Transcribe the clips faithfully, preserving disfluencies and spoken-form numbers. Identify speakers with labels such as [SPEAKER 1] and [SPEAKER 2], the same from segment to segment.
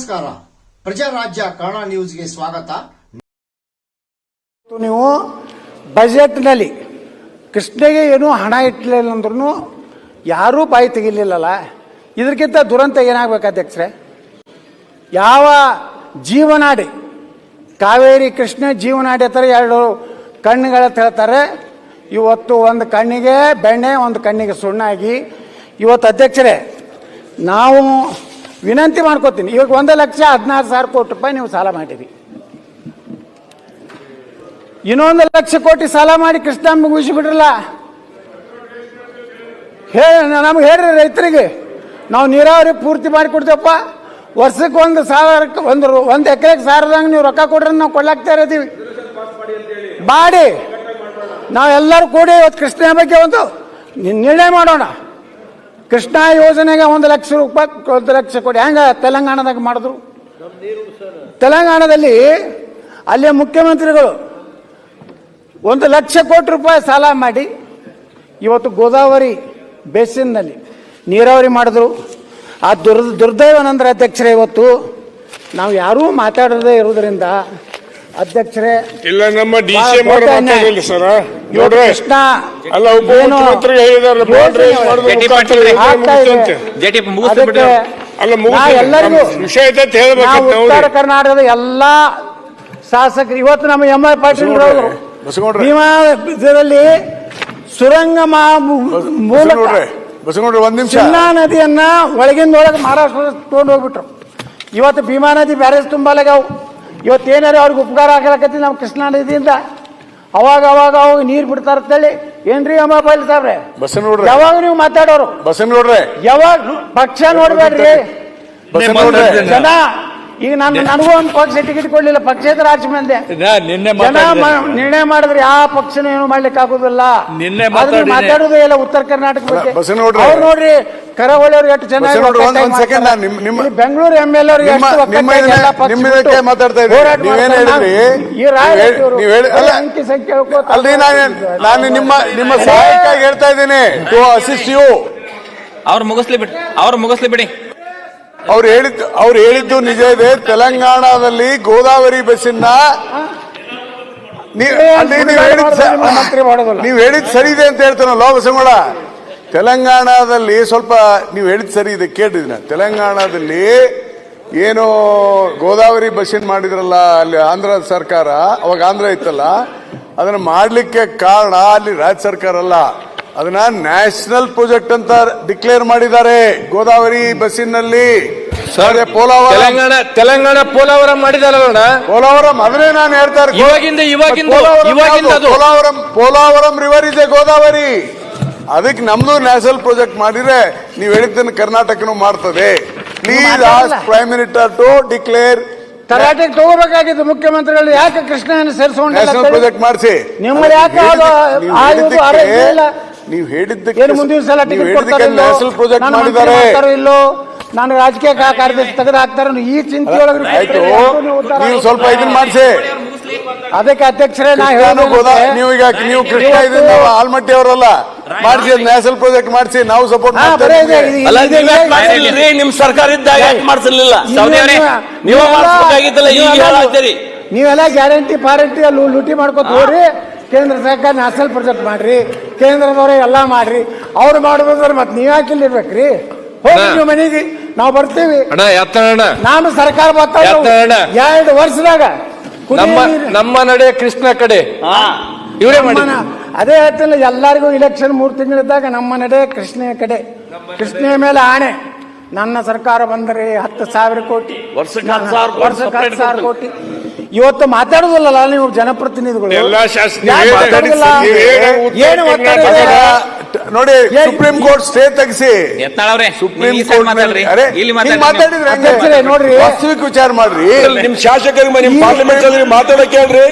[SPEAKER 1] ನಮಸ್ಕಾರ. ಪ್ರಜಾರಾಜ್ಯ ಕನ್ನಡ ನ್ಯೂಸ್ಗೆ ಸ್ವಾಗತ.
[SPEAKER 2] ನೀವು ಬಜೆಟ್ನಲ್ಲಿ ಕೃಷ್ಣಗೆ ಏನೂ ಹಣ ಇಟ್ಟಲಿಲ್ಲ ಅಂದ್ರೂ ಯಾರೂ ಬಾಯಿ ತೆಗಿಲಿಲ್ಲಲ್ಲ. ಇದಕ್ಕಿಂತ ದುರಂತ ಏನಾಗಬೇಕು ಅಧ್ಯಕ್ಷರೇ? ಯಾವ ಜೀವನಾಡಿ ಕಾವೇರಿ ಕೃಷ್ಣ ಜೀವನಾಡಿ ಹತ್ರ ಎರಡು ಕಣ್ಣುಗಳ ಹೇಳ್ತಾರೆ. ಇವತ್ತು ಒಂದು ಕಣ್ಣಿಗೆ ಬೆಣ್ಣೆ, ಒಂದು ಕಣ್ಣಿಗೆ ಸುಣ್ಣಾಗಿ ಇವತ್ತು ಅಧ್ಯಕ್ಷರೇ ನಾವು ವಿನಂತಿ ಮಾಡ್ಕೋತೀನಿ. ಇವಾಗ ಒಂದು ಲಕ್ಷ ಹದಿನಾರು ಸಾವಿರ ಕೋಟಿ ರೂಪಾಯಿ ನೀವು ಸಾಲ ಮಾಡಿರಿ. ಇನ್ನೊಂದು ಲಕ್ಷ ಕೋಟಿ ಸಾಲ ಮಾಡಿ ಕೃಷ್ಣ ಮುಗಿಸಿಬಿಡ್ರಲ್ಲ. ಹೇ ನಮ್ಗೆ ಹೇಳ್ರಿ ರೈತರಿಗೆ, ನಾವು ನೀರಾವರಿ ಪೂರ್ತಿ ಮಾಡಿ ಕೊಡ್ತೇವಪ್ಪ. ವರ್ಷಕ್ಕೆ ಒಂದು ಸಾವಿರಕ್ಕೆ ಒಂದು ಒಂದು ಎಕರೆಗೆ ಸಾವಿರದಂಗೆ ನೀವು ರೊಕ್ಕ ಕೊಡ್ರೆ ನಾವು ಕೊಡ್ಲಾಗ್ತಾ ಇರ್ತೀವಿ. ಮಾಡಿ ನಾವೆಲ್ಲರೂ ಕೂಡಿ ಇವತ್ತು ಕೃಷ್ಣ ಬಗ್ಗೆ ಒಂದು ನಿರ್ಣಯ ಮಾಡೋಣ. ಕೃಷ್ಣ ಯೋಜನೆಗೆ ಒಂದು ಲಕ್ಷ ರೂಪಾಯಿ ಒಂದು ಲಕ್ಷ ಕೋಟಿ ಹೆಂಗ ತೆಲಂಗಾಣದಾಗ ಮಾಡಿದ್ರು. ತೆಲಂಗಾಣದಲ್ಲಿ ಅಲ್ಲಿಯ ಮುಖ್ಯಮಂತ್ರಿಗಳು ಒಂದು ಲಕ್ಷ ಕೋಟಿ ರೂಪಾಯಿ ಸಾಲ ಮಾಡಿ ಇವತ್ತು ಗೋದಾವರಿ ಬೇಸಿನ್ನಲ್ಲಿ ನೀರಾವರಿ ಮಾಡಿದ್ರು. ಆ ದುರ್ ದುರ್ದೈವನಂದ್ರೆ ಅಧ್ಯಕ್ಷರೇ ಇವತ್ತು ನಾವು ಯಾರೂ ಮಾತಾಡದೇ ಇರುವುದರಿಂದ ಅಧ್ಯಕ್ಷರೇ
[SPEAKER 3] ಇಲ್ಲ ನಮ್ಮ ಡಿ ಸಿ ಎಂ ಅವರು ಮಾತಾಡಲಿಲ್ಲ ಸರ್. ನೋಡ್ರಿ
[SPEAKER 2] ಕೃಷ್ಣ
[SPEAKER 3] ಅಲ್ಲ ಉಪಮುಖ್ಯಮಂತ್ರಿ ಹೇಳಿದಾರೆ
[SPEAKER 2] ಎಲ್ಲರಿಗೂ
[SPEAKER 3] ವಿಷಯ
[SPEAKER 2] ಉತ್ತರ ಕರ್ನಾಟಕದ ಎಲ್ಲಾ ಶಾಸಕರು ಇವತ್ತು ನಮ್ಮ ಎಂ ಐ ಪಾಟೀಲ್ ಭೀಮಾ ಇದರಲ್ಲಿ ಸುರಂಗ ಮೂಲಕ
[SPEAKER 3] ಒಂದ್ ನಿಮಿಷ
[SPEAKER 2] ಚಿನ್ನಾ ನದಿಯನ್ನ ಒಳಗಿಂದ ಒಳಗೆ ಮಹಾರಾಷ್ಟ್ರ ತಗೊಂಡು ಹೋಗ್ಬಿಟ್ರು. ಇವತ್ತು ಭೀಮಾ ನದಿ ಬ್ಯಾರೇಜ್ ತುಂಬಲಾಗವು. ಇವತ್ತೇನಾರು ಅವ್ರಿಗೆ ಉಪಕಾರ ಆಗಲಕತ್ತಿ ನಮ್ಮ ಕೃಷ್ಣಾ ನದಿಯಿಂದ. ಅವಾಗ ಅವಾಗ ಅವಾಗ ನೀರು ಬಿಡ್ತಾರ ಅಂತೇಳಿ ಏನ್ರಿ ಅಮ್ಮ ಪಾಟೀಲ್ ಸಾಬ್ರೆ ಯಾವಾಗ ನೀವು ಮಾತಾಡೋರು
[SPEAKER 3] ಬಸನಗೌಡ್ರೆ
[SPEAKER 2] ಯಾವಾಗ ಪಕ್ಷ ನೋಡ್ಬೇಡ್ರಿ ಜನ. ಈಗ ನಾನು ನನಗೂ ಒಂದು ಪಕ್ಷ ಟಿಕೆಟ್ ಕೊಡ್ಲಿಲ್ಲ, ಪಕ್ಷೇತರ ಆಚೆ ಮಂದೆ ಜನ ನಿರ್ಣಯ ಮಾಡಿದ್ರೆ ಯಾವ ಪಕ್ಷನೂ ಏನು ಮಾಡ್ಲಿಕ್ಕೆ ಆಗುದಿಲ್ಲ. ಮಾತಾಡುದೇ ಇಲ್ಲ ಉತ್ತರ ಕರ್ನಾಟಕ ಬಗ್ಗೆ. ಅವ್ರು ನೋಡ್ರಿ ಕರಾವಳಿಯವ್ರು ಎಷ್ಟು ಚೆನ್ನಾಗಿ ಬೆಂಗಳೂರು ಎಂ ಎಲ್ ಅವ್ರಿಗೆ ಅಂಕಿ ಸಂಖ್ಯೆ
[SPEAKER 3] ನಾನು ನಿಮ್ಮ ನಿಮ್ಮ ಸಹಾಯಕ್ಕಾಗಿ ಹೇಳ್ತಾ ಇದ್ದೀನಿ. To assist you.
[SPEAKER 4] ಅವ್ರು ಮುಗಿಸ್ಲಿ ಬಿಡಿ, ಅವ್ರು ಮುಗಿಸ್ಲಿ ಬಿಡಿ.
[SPEAKER 3] ಅವ್ರು ಹೇಳಿದ್ದು ಅವ್ರು ಹೇಳಿದ್ದು ನಿಜ ಇದೆ. ತೆಲಂಗಾಣದಲ್ಲಿ ಗೋದಾವರಿ ಬಸ್ಸಿನ ನೀವು ಹೇಳಿದ್ ಸರಿ ಇದೆ ಅಂತ ಹೇಳ್ತಾನಲ್ಲ ಬಸಂಗೋಳ. ತೆಲಂಗಾಣದಲ್ಲಿ ಸ್ವಲ್ಪ ನೀವು ಹೇಳಿದ್ ಸರಿ ಇದೆ ಕೇಳಿದ್ನ. ತೆಲಂಗಾಣದಲ್ಲಿ ಏನು ಗೋದಾವರಿ ಬಸ್ಸಿನ ಮಾಡಿದ್ರಲ್ಲ ಅಲ್ಲಿ ಆಂಧ್ರ ಸರ್ಕಾರ, ಅವಾಗ ಆಂಧ್ರ ಇತ್ತಲ್ಲ, ಅದನ್ನ ಮಾಡ್ಲಿಕ್ಕೆ ಕಾರಣ ಅಲ್ಲಿ ರಾಜ್ಯ ಸರ್ಕಾರ ಅಲ್ಲ, ಅದನ್ನ ನ್ಯಾಷನಲ್ ಪ್ರಾಜೆಕ್ಟ್ ಅಂತ ಡಿಕ್ಲೇರ್ ಮಾಡಿದ್ದಾರೆ ಗೋದಾವರಿ ಬಸ್ಸಿನಲ್ಲಿ.
[SPEAKER 4] ತೆಲಂಗಾಣ ತೆಲಂಗಾಣ ಪೋಲಾವರಂ ಮಾಡಿದಾರಲ್ಲ,
[SPEAKER 3] ಪೋಲಾವರಂ ಅದನ್ನೇ ನಾನು ಹೇಳ್ತಾ
[SPEAKER 4] ಇವಾಗಿಂದ ಇವಾಗಿಂದ
[SPEAKER 3] ಪೋಲಾವರಂ ಪೋಲಾವರಂ ರಿವರ್ ಇದೆ ಗೋದಾವರಿ. ಅದಕ್ಕೆ ನಮ್ದು ನ್ಯಾಷನಲ್ ಪ್ರಾಜೆಕ್ಟ್ ಮಾಡಿದ್ರೆ ನೀವು ಹೇಳಿದ್ದನ್ನು ಕರ್ನಾಟಕನು ಮಾಡ್ತದೆ. Please ask prime minister to declare.
[SPEAKER 2] Karnataka ತಗೋಬೇಕಾಗಿತ್ತು ಮುಖ್ಯಮಂತ್ರಿಗಳು. ಯಾಕೆ ಕೃಷ್ಣನ ಸೇರಿಸಿಕೊಂಡು
[SPEAKER 3] ನ್ಯಾಷನಲ್ ಪ್ರಾಜೆಕ್ಟ್ ಮಾಡಿಸಿ.
[SPEAKER 2] ನಿಮ್ಮಲ್ಲಿ ಯಾಕೆ
[SPEAKER 3] ನೀವು ಹೇಳಿದ್ದಕ್ಕೆ
[SPEAKER 2] ಮುಂದಿನ ಸಲ ಟಿಕೆಟ್ ಕೊಡ್ತಾರೆ
[SPEAKER 3] ನ್ಯಾಷನಲ್ ಪ್ರಾಜೆಕ್ಟ್ ಮಾಡಿದ್ದಾರೆ
[SPEAKER 2] ಇಲ್ಲೋ, ನಾನು ರಾಜಕೀಯ ಕಾರ್ಯದರ್ಶಿ ತೆಗೆದು ಹಾಕ್ತಾರೆ ಈ ಚಿಂತೆ ಒಳಗೆ
[SPEAKER 3] ನೀವು ಸ್ವಲ್ಪ ಇದನ್ನ ಮಾಡಿಸಿ.
[SPEAKER 2] ಅದಕ್ಕೆ ಅಧ್ಯಕ್ಷರೇ ನಾ
[SPEAKER 3] ನೀವು ಈಗ ನೀವು ಕೃಷ್ಣ ಇದನ್ನ ಆಲ್ಮಟ್ಟಿ ಅವರಲ್ಲ ಮಾಡಿಸಿ, ನ್ಯಾಷನಲ್ ಪ್ರಾಜೆಕ್ಟ್ ಮಾಡಿಸಿ. ನಾವು ಸಪೋರ್ಟ್ ಮಾಡ್ತಾರೆ.
[SPEAKER 4] ನಿಮ್ ಸರ್ಕಾರ ಇದ್ದಾಗ ಮಾಡಿಸಲಿಲ್ಲ,
[SPEAKER 2] ನೀವೆಲ್ಲ ಗ್ಯಾರಂಟಿ ಪಾರಂಟಿ ಅಲ್ಲಿ ಲೂಟಿ ಮಾಡ್ಕೊತ ಹೋಗ್ರಿ. ಕೇಂದ್ರ ಸರ್ಕಾರ ನ್ಯಾಷನಲ್ ಪ್ರಾಜೆಕ್ಟ್ ಮಾಡ್ರಿ, ಕೇಂದ್ರದವ್ರೆ ಎಲ್ಲ ಮಾಡ್ರಿ. ಅವ್ರು ಮಾಡೋದ್ರೆ ಮತ್ತೆ ನೀವ್ ಯಾಕಿಲ್ಲ ಇರ್ಬೇಕ್ರಿ? ಹೋಗಿ ನೀವು ಮನೆಗೆ ನಾವು ಬರ್ತೀವಿ. ನಾನು ಸರ್ಕಾರ ಬರ್ತಾ ಎರಡು ವರ್ಷದಾಗ
[SPEAKER 4] ನಮ್ಮ ನಡೆ ಕೃಷ್ಣ ಕಡೆ ಇವರೇ ಮಾಡಿ.
[SPEAKER 2] ಅದೇ ಹೇಳ್ತಿಲ್ಲ, ಎಲ್ಲರಿಗೂ ಇಲೆಕ್ಷನ್ ಮೂರು ತಿಂಗಳಿದ್ದಾಗ ನಮ್ಮ ನಡೆ ಕೃಷ್ಣ ಕಡೆ. ಕೃಷ್ಣ ಮೇಲೆ ಆಣೆ, ನನ್ನ ಸರ್ಕಾರ ಬಂದರೆ ಹತ್ತು ಸಾವಿರ ಕೋಟಿ, ವರ್ಷಕ್ಕೆ ಹತ್ತು ಸಾವಿರ ಕೋಟಿ. ಇವತ್ತು ಮಾತಾಡುದಿಲ್ಲ ನೀವು ಜನಪ್ರತಿನಿಧಿಗಳು. ಏನು
[SPEAKER 3] ನೋಡಿ, ಸುಪ್ರೀಂ ಕೋರ್ಟ್ ಸ್ಟೇ ತೆಗಿಸಿ ಸುಪ್ರೀಂ ಕೋರ್ಟ್ ಮಾತಾಡಿದ್ರೆ
[SPEAKER 2] ನೋಡ್ರಿ,
[SPEAKER 3] ವಾಸ್ತವಿಕ ವಿಚಾರ ಮಾಡ್ರಿ.
[SPEAKER 4] ನಿಮ್ ಶಾಸಕರಿಗೆ ನಿಮ್ ಪಾರ್ಲಿಮೆಂಟ್ ಅಲ್ಲಿ ಮಾತಾಡಕ್ಕೆ ಹೇಳ್ರಿ.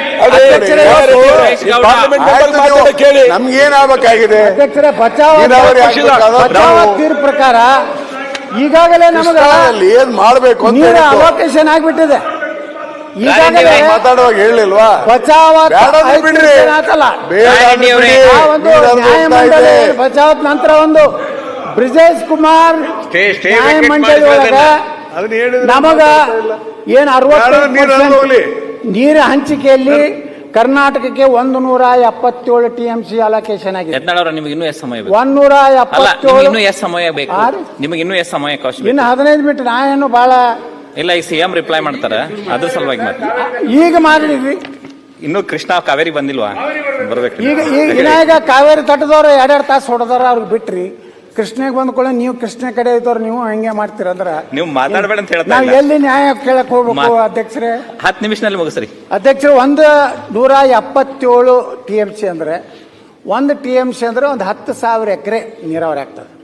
[SPEAKER 3] ಕೇಳಿ ನಮ್ಗೇನಾಗಬೇಕಾಗಿದೆ
[SPEAKER 2] ಅಧ್ಯಕ್ಷರೇ, ಬಚಾವ್ ತೀರ್ಪು ಪ್ರಕಾರ ಈಗಾಗಲೇ ನಮಗೆ
[SPEAKER 3] ಏನ್ ಮಾಡ್ಬೇಕು
[SPEAKER 2] ನೀರ ಅಲೋಕೇಶನ್ ಆಗ್ಬಿಟ್ಟಿದೆ. ಈಗಾಗಲೇ
[SPEAKER 3] ಮಾತಾಡುವಾಗ ಹೇಳಿಲ್ವಾ?
[SPEAKER 2] ಬಚಾವ್ ನ್ಯಾಯಮಂಡಳಿ ಬಚಾವ್ ನಂತರ ಒಂದು ಬ್ರಿಜೇಶ್ ಕುಮಾರ್ ನ್ಯಾಯಮಂಡಳಿ ಒಳಗ
[SPEAKER 3] ಅದನ್ನ ಹೇಳಿದ್ರೆ
[SPEAKER 2] ನಮಗ ಏನ್
[SPEAKER 3] ಯಾರೋ ನೀರು ಹರಿದು ಹೋಗ್ಲಿ.
[SPEAKER 2] ಅರವತ್ತು ನೀರು ಹಂಚಿಕೆಯಲ್ಲಿ ಕರ್ನಾಟಕಕ್ಕೆ ಒಂದು ನೂರ ಎಪ್ಪತ್ತೇಳು ಟಿ ಎಂ ಸಿ ಅಲೋಕೇಶನ್ ಆಗಿದೆ.
[SPEAKER 5] ಯತ್ನಾಳ್ ನಿಮಗೆ ಇನ್ನೂ ಎಷ್ಟು ಸಮಯ ಬೇಕು?
[SPEAKER 2] ಒಂದೂರ
[SPEAKER 5] ಅಲ್ಲ ನಿಮಗೆ
[SPEAKER 2] ಎಪ್ಪತ್ತೇಳು
[SPEAKER 5] ಇನ್ನೂ ಎಷ್ಟು ಸಮಯ ಬೇಕು?
[SPEAKER 2] ಆರು?
[SPEAKER 5] ನಿಮಗೆ ಇನ್ನೂ ಎಷ್ಟು ಸಮಯ ಅವಕಾಶ ಬೇಕು?
[SPEAKER 2] ಇನ್ನು ಹದಿನೈದು ಮಿನಿಟ್ ನಾ ಏನು ಬಹಳ
[SPEAKER 5] ಇಲ್ಲ, ಈ ಸಿಎಂ ರಿಪ್ಲೈ ಮಾಡ್ತಾರ, ಅದ್ರ ಸಲುವಾಗಿ ಮಾತ್ರ.
[SPEAKER 2] ಈಗ ಮಾಡಿದ್ರಿ.
[SPEAKER 5] ಇನ್ನು ಕೃಷ್ಣ ಕಾವೇರಿ ಬಂದಿಲ್ವಾ? ಬರ್ಬೇಕು.
[SPEAKER 2] ಈಗ ಈಗ ವಿನಾಯಕ ಕಾವೇರಿ ತಟ್ಟದವ್ರು ಎರಡೆರಡು ತಾಸು ಹೊಡೆದಾರ ಅವ್ರಿಗೆ ಬಿಟ್ರಿ. ಕೃಷ್ಣಗೆ ಬಂದ್ಕೊಳ್ಳ ನೀವು ಕೃಷ್ಣ ಕಡೆ ಇದ್ದವ್ರು ನೀವು ಹಂಗೆ ಮಾಡ್ತೀರಂದ್ರ
[SPEAKER 5] ನೀವು ಮಾತಾಡಬೇಡ ಅಂತ ಹೇಳ್ತಾ
[SPEAKER 2] ನಾವ್
[SPEAKER 5] ಇಲ್ಲ.
[SPEAKER 2] ಎಲ್ಲಿ ನ್ಯಾಯ ಕೇಳಕ್ ಹೋಗ್ಬೇಕು
[SPEAKER 5] ಮಾ-
[SPEAKER 2] ಅಧ್ಯಕ್ಷರೇ?
[SPEAKER 5] ಹತ್ತು ನಿಮಿಷದಲ್ಲಿ ಮುಗಿಸ್ರಿ.
[SPEAKER 2] ಅಧ್ಯಕ್ಷರು ಒಂದು ನೂರ ಎಪ್ಪತ್ತೇಳು ಟಿ ಎಂ ಸಿ ಅಂದ್ರೆ ಒಂದು ಟಿ ಎಂ ಸಿ ಅಂದ್ರೆ ಒಂದು ಹತ್ತು ಸಾವಿರ ಎಕರೆ ನೀರಾವರಿ ಆಗ್ತದೆ.